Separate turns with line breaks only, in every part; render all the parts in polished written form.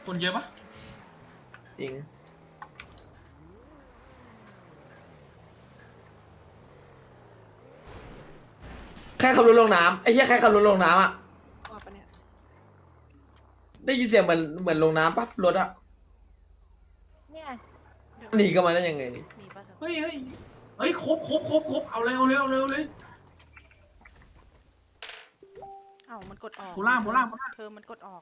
คนเยอะปะ
จริงแค่ขับรถลงน้ำไอ้เหี้ยแค่ขับรถลงน้ำอ่ะ
ว่าปะเนี่ย
ได้ยินเสียงเหมือนลงน้ำปั๊บรถอ่ะ
เนี่ย
หนีก็มาได้ยังไงนี่
มีปะเธอ
เฮ้ยครบเอาเลยเอาเลยเอาเลยเอาเลย
เอ้ามันกดออก
โพล่า
เธอมันกดออก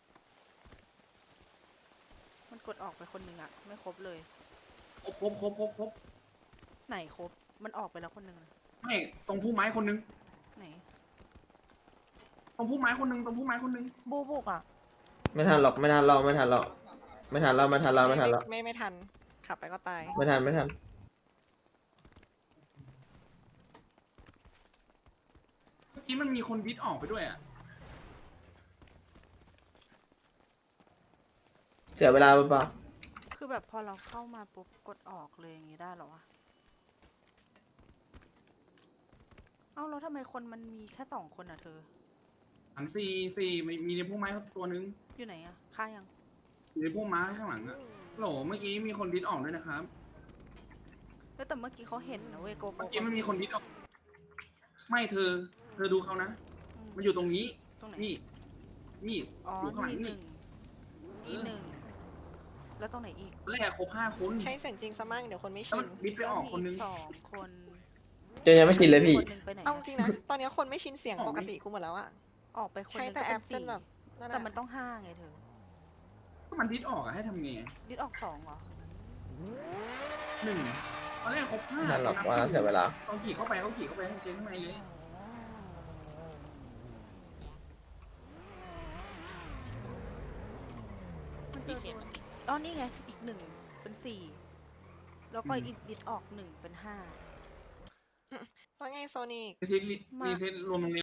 มันกดออกไปคนหนึ่งอะไม่ครบเลย
ครบ
ไหนครบ มันออกไปแล้วคนหนึ่งอะ
ไม่ตรงพุ่มไม้คนนึง
ไหน
ตรงพุ่มไม้คนนึง
บูบุกอะ
ไม่ทันหรอกไม่ทันเราไม่ทันเราไม่ทันเราไม่ทันเราไม่ทันเรา
ไม่ทัน ขับไปก็ตาย
ไม่ทันไม่ทัน
เมื่อกี้มันมีคนดิสออกไปด้วยอ่ะ
เสียเวลาเปล่า
คือแบบพอเราเข้ามาปุ๊บกดออกเลยอย่างงี้ได้เหรอวะ เอ้าแล้วทำไมคนมันมีแค่2 คนอะเธอ
อันสี่มีในพุ่มไม้ตัวนึง
อยู่ไหนอะฆ่ายัง
อยู่ในพุ่มไม้ข้างหลังอ่ะโหลเมื่อกี้มีคนดิสออกด้วยนะครับ
แล้วแต่เมื่อกี้เขาเห็นนะเว้ยโกโป
เมื่อกี้มันมีคนดิสออก ไม่เธอดูเขานะ มันอยู่ตรงนี้
ตรงไหน
นี่
อ๋อ
อยู่ข้างหลัง
นี่
นี่
1 แล้วตรงไหนอีก
แรกครบ5 คน
ใช้เสียงจริงซะมั่งเดี๋ยวคนไม่
แล้ว
ชิ
มัน นดิสไปออกคนนึง
มี2 คน
ๆเจนยังไม่ชินเลยพี่
คนหนึ่งไปไหน
เอา
อะ
จริงนะ ตอนนี้คนไม่ชินเสียงปกติกูหมดแล้วอะ
ออกไปคนห
ใช้
นึ่ง
แต่
ก็
แอ
เป็น
ปจนแบบ
4
นั่น
แต่
อะ
มันต้อง5ไงเธอ
ก็มันดิสออกอะให้ทำไง
ดิดออก2เหรอ
1ตอนแรกครบ5
ไม่ทันหรอกว่าเสียเวลา
ตอนขี่เข้าไปเจนข้างในเลย
มันจะอ๋อนี่ไง อีก1เป็น4แล้วก็อีกดิดออก1เป็น5
ว่าไงโซนิก
รีเซ็ตรวมตรงนี้